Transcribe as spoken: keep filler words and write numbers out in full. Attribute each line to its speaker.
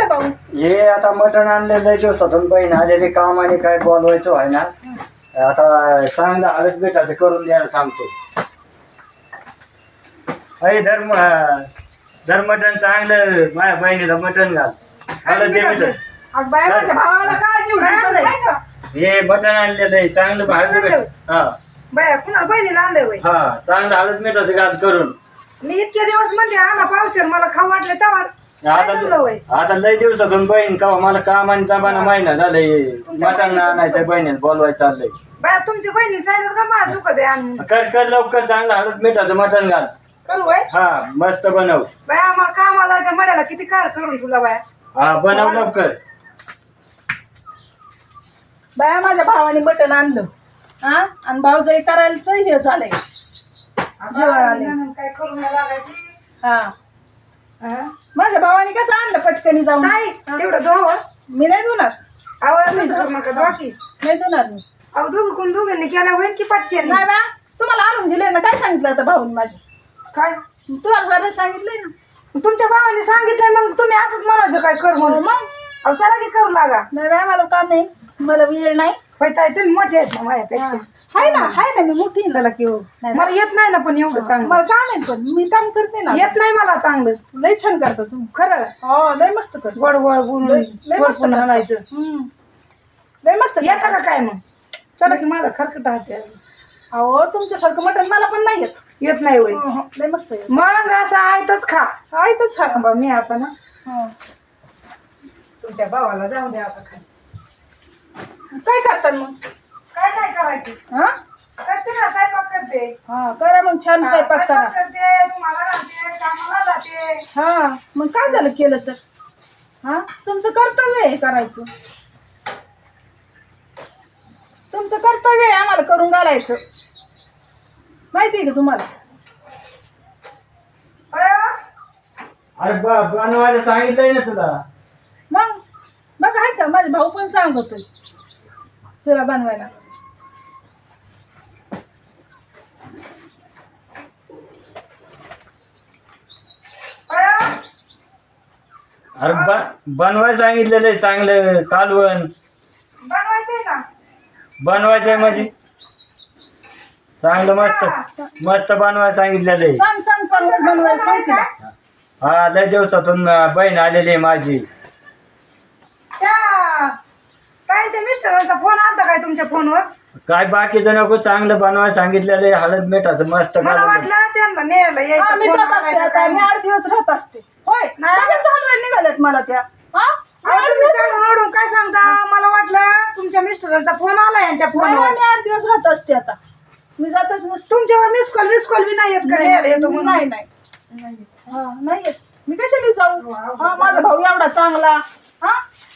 Speaker 1: भाऊ?
Speaker 2: हे आता मटण आणलेलं दिवसातून बहीण आलेले काम आणि काय बोलवायचं आहे ना आता चांगलं हळद बेटाचं करून द्यायला सांगतो. अरे धर्म धर मटण चांगलं माझ्या बहिणीला मटण घाल हळद दे बेटा.
Speaker 1: अग बाय माझ्या भावाला काय जीव घेतलं नाही का?
Speaker 2: हे मटण आणलेलं आहे चांगलं हळद बेट हा
Speaker 3: बाया कुणाला बहिणीला आणलंय वय
Speaker 2: हा चांगलं हळद मिठाचं घाल करून.
Speaker 3: मी इतके दिवस म्हणजे आणा पावशेर मला खाऊ वाटले तेव्हा
Speaker 2: आता आता लय दिवसातून बहीण का मला काम आणि जमाना महिना झालंय मटण आणायचं बहिणीला बोलवायचं चाललंय.
Speaker 3: बाया तुमची बहिणी सांगितलं का मला दुखत आहे आणून
Speaker 2: कर कर लवकर चांगलं हळद मिठाचं मटण घाल.
Speaker 3: करू वय
Speaker 2: हा मस्त बनव.
Speaker 3: बाया आम्हाला कामाला जायचं मड्याला किती कार करून तुला बाया.
Speaker 2: हा बनव लवकर.
Speaker 1: बाया माझ्या भावाने मटण आणलं हा आणि भाऊजाई करायचं हे झालंय जेवण आले
Speaker 3: काय करून नाही लागायची.
Speaker 1: हा
Speaker 3: हा?
Speaker 1: माझ्या भावाने कसं आणलं पटकनी जाऊन
Speaker 3: नाही तेवढं धुवा
Speaker 1: मी नाही धुणार
Speaker 3: आवाज नसं करू नका धुवा की.
Speaker 1: नाही धुणार मी
Speaker 3: अहो दोघं कोण दोघांनी केला होईल की पटकेन
Speaker 1: नाही बा तुम्हाला आणून दिले ना काय सांगितलं आता भाऊन माझे
Speaker 3: काय
Speaker 1: तुम्हाला बरं सांगितलंय ना
Speaker 3: तुमच्या भावाने सांगितलंय मग तुम्ही असंच म्हणायचं काय कर म्हणून.
Speaker 1: मग
Speaker 3: अहो चला की करू लागा.
Speaker 1: नाही बा मला काम नाही मला वेळ नाही
Speaker 3: होय ताई तुम्ही मोठे आहेत ना माझ्यापेक्षा.
Speaker 1: हाय ना हाय ना मी मोठी आहे ना.
Speaker 3: चला की हो. मला येत नाही ना पण एवढं चांगलं
Speaker 1: मला काम आहे पण मी काम करते ना
Speaker 3: येत नाही मला चांगलं
Speaker 1: लय छान करता तुम्ही
Speaker 3: खरं
Speaker 1: हो लय मस्त कर
Speaker 3: गोड गोड बोलून
Speaker 1: लय मस्त
Speaker 3: वरपून
Speaker 1: करता.
Speaker 3: आणायचं.
Speaker 1: हम्म. लय मस्त
Speaker 3: येतं का काय मग चला की माझा खरकट हात
Speaker 1: अहो तुमच्यासारखं मटण मला पण नाही येत
Speaker 3: येत नाही होय.
Speaker 1: हं, हं. लय मस्त येत
Speaker 3: मग असं आहेतच खा.
Speaker 1: आहे तर छान
Speaker 3: बा मी आता ना
Speaker 1: हं.
Speaker 3: तुमच्या भावाला जाऊ द्या आता खाली.
Speaker 1: काय करता मग
Speaker 3: काय काय करायचं
Speaker 1: हा
Speaker 3: करते ना स्वयंपाक करते.
Speaker 1: हा करा मग छान
Speaker 3: हा,
Speaker 1: स्वयंपाक करा
Speaker 3: स्वयंपाक करते तुम्हाला राहते कामाला जाते.
Speaker 1: हा मग काय झालं केलं तर हा तुमचं कर्तव्य आहे हे करायचं तुमचं कर्तव्य आहे आम्हाला करून घालायचं माहिती आहे का तुम्हाला
Speaker 3: अयो,
Speaker 2: अरे बा बनवायला सांगितलंय ना तुला.
Speaker 1: मग बघ आहे का माझे भाऊ पण सांगतोय तुला बनवायला
Speaker 3: अयो,
Speaker 2: अरे बनवायला सांगितलेलं आहे चांगलं कालवण
Speaker 3: बनवायचंय ना
Speaker 2: बनवायचंय म्हणजे चांगलं मस्त मस्त बनवायला सांगितलेलं आहे.
Speaker 1: सांग सांग चांगलं बनवायला सांग तिला
Speaker 2: हा लय दिवसातून बहीण आलेली आहे माझी.
Speaker 3: त्या ताईच्या मिस्टरांचा फोन आलता काय तुमच्या फोनवर.
Speaker 2: काय बाकीचं नको चांगलं बनवायला सांगितलेलं आहे हळद मिठाचं मस्त
Speaker 3: मला
Speaker 2: कालवण.
Speaker 3: वाटलं त्यांना न्यायला
Speaker 1: हा,
Speaker 3: यायचं
Speaker 1: मी
Speaker 3: फोन
Speaker 1: जात असते
Speaker 3: आलाय का
Speaker 1: आता
Speaker 3: काय.
Speaker 1: मी आठ दिवस राहत असते होय
Speaker 3: नाही.
Speaker 1: लगेच घालवायला निघाल्यात मला त्या हा
Speaker 3: अहो, तुम्ही चढून ओढून काय सांगता मला वाटलं तुमच्या मिस्टरांचा फोन आला यांच्या
Speaker 1: नाही,
Speaker 3: फोनवर.
Speaker 1: मी आठ दिवस राहत असते आता मी जातच नसते
Speaker 3: तुमच्यावर मिस कॉल मिस कॉल बी नाही येत का न्यायला येतो म्हणून.
Speaker 1: नाही नाही हा नाही येत. मी कशाला जाऊ हा माझा भाऊ एवढा चांगला हा